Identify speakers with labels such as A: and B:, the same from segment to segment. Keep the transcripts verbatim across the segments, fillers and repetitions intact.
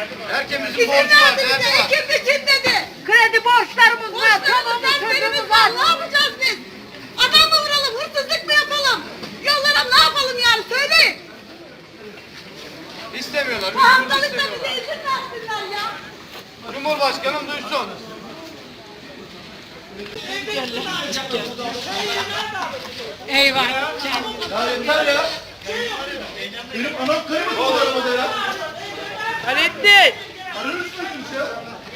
A: Herkesin
B: İzin
A: borcu var,
B: verdi bize,
A: derdi var.
B: ekim için dedi.
C: Kredi borçlarımız var, çoluğumuz
B: Borçlarımız
C: çocuğumuz
B: var,
C: var.
B: ne yapacağız biz? Adam mı vuralım, hırsızlık mı yapalım? Yollara ne yapalım yani, söyleyin.
A: İstemiyorlar,
B: Bu
A: huzur
B: haftalıkta bize
A: istemiyorlar.
B: izin versinler ya.
A: Cumhurbaşkanım duysun.
C: Eyvah.
A: Ya yeter ya. Benim anam kaymadı bu arabada ya.
C: Hallettin.
A: Arır mısınız ya?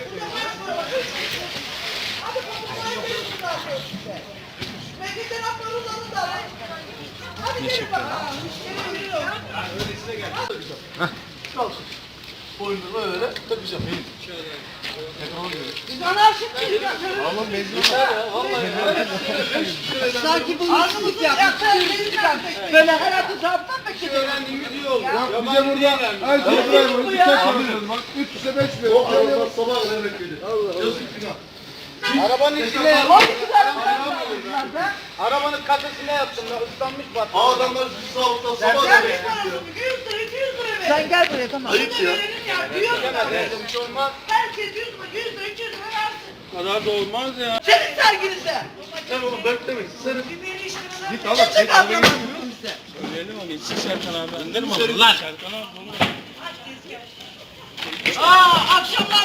A: Kalsın. Boynunu böyle takacağım. Şöyle.
C: Biz anarşik miyiz?
A: Ama mezun ya. Vallahi.
C: Sanki bu hırsızlık yapmış. Böyle her atı zaptan mı
A: Şu öğrendiğimiz iyi oldu.
D: Ya bize burada her şey buraya bir tek alıyoruz bak. üç yüze beş veriyor.
A: O araba sabah kadar bekledi. Yazık günah. Arabanın içine Arabanın kasasına yattım ya, ıslanmış bak. Adamlar şu sağlıkta sabah kadar bekliyor.
C: yüz lira, iki yüz lira ver. Sen gel buraya tamam.
A: Ayıp ya.
C: Bir
A: şey olmaz.
C: Herkes yüz lira, yüz lira, iki yüz lira versin.
D: Bu kadar da olmaz ya.
C: Senin serginize.
A: Sen onu beklemeyin. Sen
D: Git al. Git al. Söyleyelim onu. İçsin Serkan abi. Önder mi aldın lan? Serkan abi.
C: Aa, akşamlar